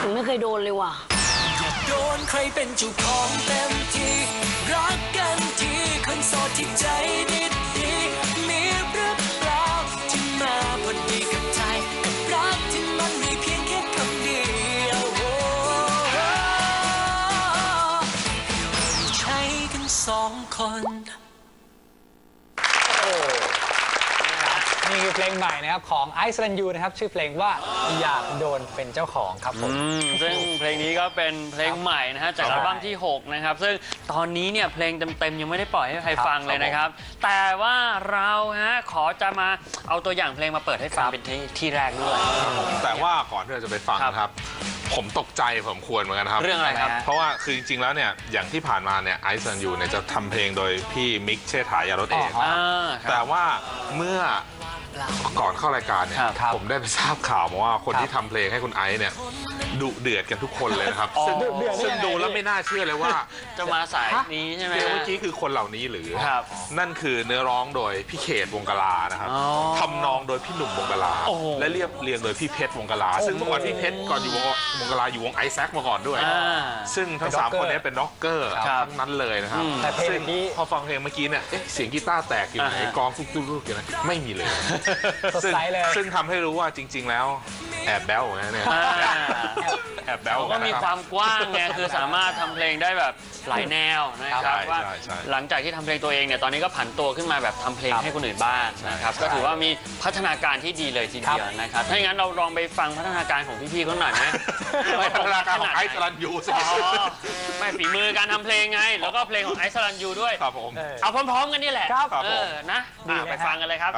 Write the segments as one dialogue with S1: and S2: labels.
S1: ยังไม่เคยโดนเลยว่ะ
S2: อยากโดนใครเป็นเจ้าของเต็มที่รักกันทีคนโสดที่ใจดีๆมีหรือเปล่าที่มาพอดีกับใจกับรักที่มันมีเพียงแค่คำเดียวใช้กัน2 คน
S3: นี่คือเพลงใหม่นะครับของไอซ์แลนด์ยูนะครับชื่อเพลงว่าอยากโดนเป็นเจ้าของครับผม
S4: ซึ่งเพลงนี้ก็เป็นเพลงใหม่นะฮะจากอัลบั้มที่6นะครับซึ่งตอนนี้เนี่ยเพลงเต็มๆยังไม่ได้ปล่อยให้ใครฟังเลยนะครับแต่ว่าเราฮะขอจะมาเอาตัวอย่างเพลงมาเปิดให้ฟังเป็นที่แรกด้วย
S5: แต่ว่าก่อนที่เราจะไปฟังนะครับผมตกใจผมควรเหมือนกันครับ
S4: เรื่องอะไรครับ
S5: เพราะว่าคือจริงๆแล้วเนี่ยอย่างที่ผ่านมาเนี่ยไอซ์แลนด์ยูเนี่ยจะทำเพลงโดยพี่มิกเชษฐายารถเองแต่ว่าเมื่อก่อนเข้ารายการเนี่ยผมได้ไปทราบข่าวมาว่าคนที่ทำเพลงให้คุณไอซ์เนี่ยดุเดือดกันทุกคนเลยนะครับซึ่งดูแล้วไม่น่าเชื่อเลยว่า
S4: จะมาสายนี้ใช่ไหม
S5: เมื่อกี้คือคนเหล่านี้หรือนั่นคือเนื้อร้องโดยพี่เขตวงกลานะครับทำนองโดยพี่หนุ่มวงกลาและเรียงโดยพี่เพชรวงกลาซึ่งเมื่อก่อนพี่เพชรก่อนอยู่วงกลาอยู่วงไอแซคมาก่อนด้วยซึ่งทั้ง3คนนี้เป็นร็อกเกอร์ทั้งนั้นเลยนะครับซึ่งพอฟังเพลงเมื่อกี้เนี่ยเสียงกีตาร์แตกอยู่ไหนกองทุกๆอยู่ไหนไม่มีเลยซึ่งทำให้รู้ว่าจริงๆแล้วแอบแบ๊วนะเนี่ยแอบแบ๊ว
S4: ก็มีความกว้างไงคือสามารถทำเพลงได้แบบหลายแนวนะครับว่าหลังจากที่ทำเพลงตัวเองเนี่ยตอนนี้ก็ผันตัวขึ้นมาแบบทำเพลงให้คนอื่นบ้างนะครับก็ถือว่ามีพัฒนาการที่ดีเลยทีเดียวนะครับถ้าอย่างนั้นเราลองไปฟังพัฒนาการของพี่ๆเขาหน่อยไหม
S5: พัฒนาการของไอซ์ลันยูสิ
S4: ไม่ฝีมือการทำเพลงไงแล้วก็เพลงของไอซ์ลันยูด้วย
S5: ครับผม
S4: เอาพร้อมๆกันนี่แหละนะไปฟังกันเลยครับ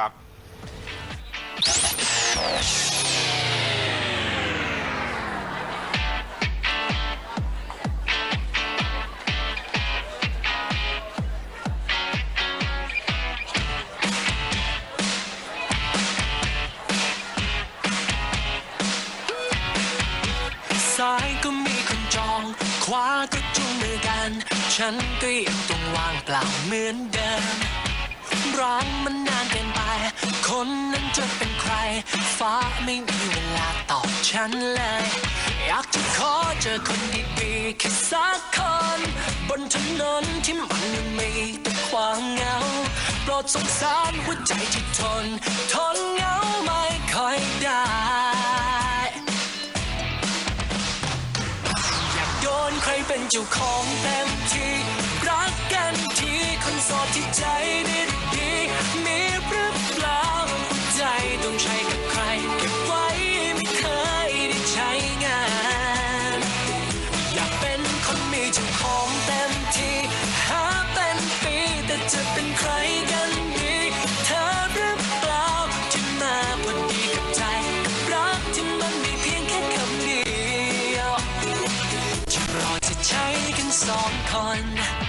S2: ซ้ายก็มีคนจองขวาก็จูงมือกันฉันก็ยังต้องวางเปล่าเหมือนเดิมร้องมันนานเกินไปคนนั้นจะเป็นใครฟ้าไม่มีเวลาตอบฉันเลยอยากจะขอเจอคนดีๆแค่สักคนบนถนนที่มันมีแต่ความเหงาโปรดสงสารหัวใจที่ทนเหงาไม่ค่อยได้โดนใครเป็นเจ้าของเต็มที่รักกันทีคนโสดที่ใจดีๆมีหรือเปล่าใจต้องใช้กับใครเก็บไว้ไม่เคยได้ใช้งานอยากเป็นคนมีเจ้าของเต็มที่หาเป็นปีแต่จะเป็นใครกันดีเธอหรือเปล่าที่มาพอดีกับใจกับรักที่มันมีเพียงแค่คำเดียวเราจะใช้กัน2 คน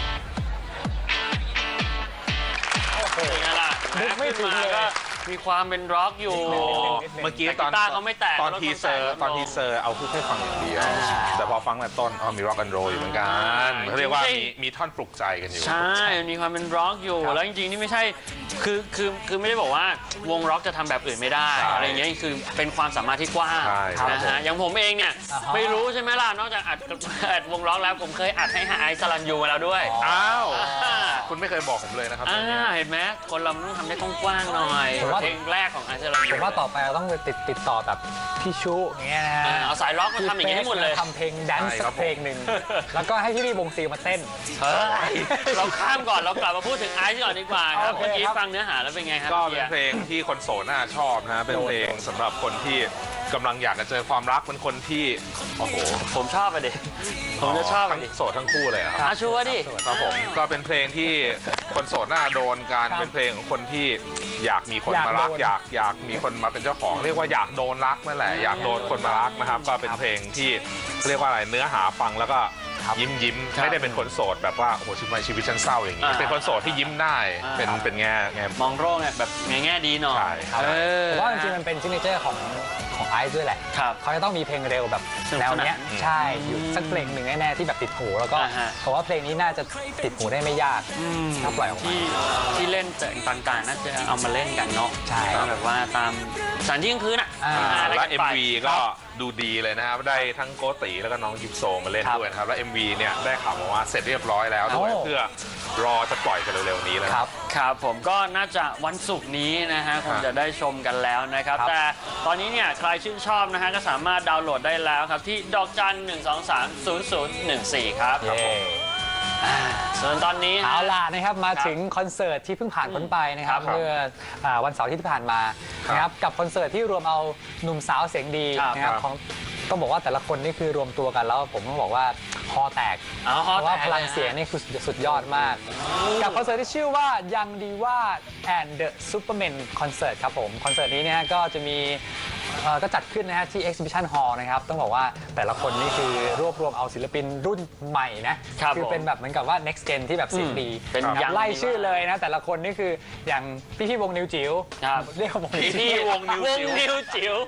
S4: เป็นไงล่ะไม่ถึงเลยมีความเป็นร็อกอยู่
S5: เมื่อกี้ตอนทีเซอร์เอาพูดให้ฟังอย่างเดียวแต่พอฟังแต่ต้นมีร็อกแอนด์โรลอยู่เหมือนกันเขาเรียกว่ามีท่อนปลุกใจกันอยู่
S4: ใช่มีความเป็นร็อกอยู่แล้วจริงๆนี่ไม่ใช่คือไม่ได้บอกว่าวงร็อกจะทำแบบอื่นไม่ได้อะไรอย่างเงี้ยคือเป็นความสามารถที่กว้างนะฮะอย่างผมเองเนี่ยไม่รู้ใช่ไหมล่ะนอกจากอัดวงร็อกแล้วผมเคยอัดให้ไอซ์สลันยูมาแล้วด้วย
S5: อ้าวคุณไม่เคยบอกผมเลยนะครับ
S4: เห็นไหมคนเราต้องทำได้กว้างๆหน่อยเพลงแรกของไอซ์สลันยู
S3: ผมว่าต่อไปเราต้องไปติดต่อแบบพี่ชูอย่างเงี้ยนะฮะ
S4: เอาสายร็อกมาทำอย่างนี้ให้หมดเลย
S3: ทำเพลงแดนซ์สักเพลงหนึ่งแล้วก็ให้พี่วงซีมาเต้น
S4: เราข้ามก่อนเรากลับมาพูดถึงไอซ์ก่อนดีกว่าครับเมื่อกี้ฟังเนื้อหาแล้วเป็นไงครับ
S5: ก็เป็นเพลงที่คนโสดน่าชอบนะเป็นเพลงสำหรับคนที่กำลังอยากจะเจอความรักเป็นคนที่โอ้โห
S4: ผมชอบไปดิผมจะชอบ
S5: ทั้งโสดทั้งคู่เลยครับ
S4: ชัวร์ดิ
S5: ครับผมก็เป็นเพลงที่คนโสดน่าโดนการเป็นเพลงของคนที่อยากมีคนมารักอยากมีคนมาเป็นเจ้าของเรียกว่าอยากโดนรักนั่นแหละอยากโดนคนมารักนะครับก็เป็นเพลงที่เรียกว่าอะไรเนื้อหาฟังแล้วก็ยิ้มไม่ได้เป็นคนโสดแบบว่าโอ้โหชีวิตฉันเศร้าอย่างนี้เป็นคนโสดที่ยิ้มได้เป็นแง่
S4: มองโลกแบบแง่ดีหน่อย
S3: ผมว่าจริงๆมันเป็นซิกเนเจอร์ของไอซ์ด้วยแหละเขาจะต้องมีเพลงเร็วแบบแนวเนี้ยใช่อยู่สักเพลงหนึ่งแน่ๆที่แบบติดหูแล้วก็ผมว่าเพลงนี้น่าจะติดหูได้ไม่ยากถ้าปล่อยออกมา
S4: ที่เล่นต่างๆน่าจะเอามาเล่นกันเนาะ
S3: ใช่
S4: แบบว่าตามสถานที่กลางคืน
S5: และ MV ก็ดูดีเลยนะครับได้ทั้งโกติแล้วก็น้องยิปโซมาเล่นด้วยนะครับแล้ว MV เนี่ยได้ข่าวมาว่าเสร็จเรียบร้อยแล้วด้วยเพื่อรอจะปล่อยกันเร็วๆนี้แล้ว
S4: ครับผมก็น่าจะวันศุกร์นี้นะฮะคงจะได้ชมกันแล้วนะครับแต่ตอนนี้เนี่ยใครชื่นชอบนะฮะก็สามารถดาวน์โหลดได้แล้วครับที่ดอกจัน 1230014 ครับส่วนตอนนี้
S3: เอาล่ะนะครับมาถึงคอนเสิร์ตที่เพิ่งผ่านพ้นไปนะครับเมื่อวันเสาร์ที่ผ่านมานะครับกับคอนเสิร์ตที่รวมเอาหนุ่มสาวเสียงดีนะครับของต้องบอกว่าแต่ละคนนี่คือรวมตัวกันแล้วผมต้องบอกว่าคอแตกเพราะว่าพลังเสียงนี่คือสุดยอดมากกับคอนเสิร์ตที่ชื่อว่ายังดีว่า and the Superman Concert ครับผมคอนเสิร์ตนี้เนี่ยก็จะมีก็จัดขึ้นนะฮะที่ Exhibition Hall นะครับต้องบอกว่าแต่ละคนนี่คือรวบรวมเอาศิลปินรุ่นใหม่นะคือเป็นแบบเหมือนกับว่า next gen ที่แบบเสียงดีเป็นไล่ชื่อเลยนะแต่ละคนนี่คืออย่างพี่วงนิวจิ๋วเรียกวง
S4: พี่วงนิวจิ๋ว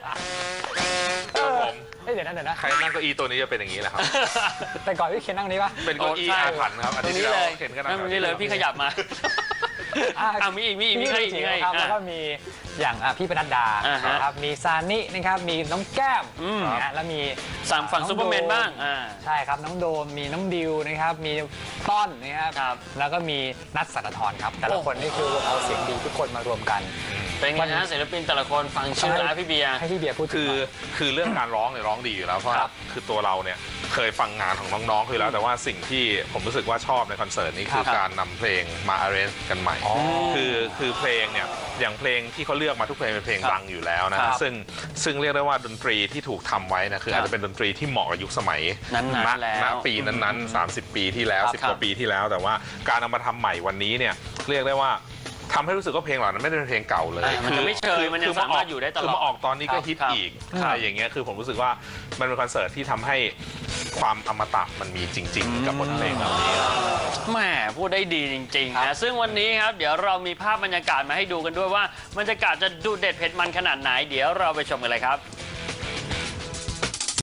S3: เดี๋ยวนะ
S5: ใครนั่งเก้าอี้ตัวนี้จะเป็นอย่างนี้แหละครับ
S3: แต่ก่อนพี่เคนนั่งนี้ปะ
S5: เป็นเก้าอี้อาถรรพ์ครับ
S4: ตรงนี้เลยนั่งตรงนี้เลยพี่ขยับมามีอีก
S3: ครับแล้วก็มีอย่างพี่ปนัดดานะครับมีซานินะครับมีน้องแก้มนะแล้วมี
S4: ฝั่งซูเปอร์แมนบ้าง
S3: ใช่ครับน้องโดมมีน้องดิวนะครับมีต้นนะครับแล้วก็มีนัทสัตธรครับแต่ละคนนี่คือเอาเสียงดีทุกคนมารวมกัน
S4: เป็นไงนะศิลปินแต่ละคนฟังชื่อแล้วพี่เบียร์
S3: ให้พี่เบียร์พูด
S5: คือเรื่องการร้องเนี่ยร้องดีอยู่แล้วเพราะคือตัวเราเนี่ยเคยฟังงานของน้องๆคือแล้วแต่ว่าสิ่งที่ผมรู้สึกว่าชอบในคอนเสิร์ตนี้คือการนำเพลงมาอาร์เรนจ์กันใหม่คือเพลงเนี่ยอย่างเพลงที่เขาเลือกมาทุกเพลงเป็นเพลงดังอยู่แล้วนะซึ่งเรียกได้ว่าดนตรีที่ถูกทำไว้นะคืออาจจะเป็นดนตรีที่เหมาะกับยุคสมัยณปีนั้นๆ30 ปีที่แล้ว10 กว่าปีที่แล้วแต่ว่าการเอามาทำใหม่วันนี้เนี่ยเรียกได้ว่าทำให้รู้สึกว่าเพลงเหล่านั้นไม่ได้เป็นเพลงเก่าเลย
S4: มันจะไม่เชยมันยังสามารถอยู่ได้ตลอด
S5: คือมาออกตอนนี้ก็ฮิตอีกอะไรอย่างเงี้ยคือผมรู้สึกว่ามันเป็นคอนเสิร์ตที่ทำให้ความอมตะมันมีจริงๆกับบทเพลงเหล่านี้
S4: แหมพูดได้ดีจริงๆนะซึ่งวันนี้ครับเดี๋ยวเรามีภาพบรรยากาศมาให้ดูกันด้วยว่าบรรยากาศจะดูเด็ดเผ็ดมันขนาดไหนเดี๋ยวเราไปชมกันเลยครับ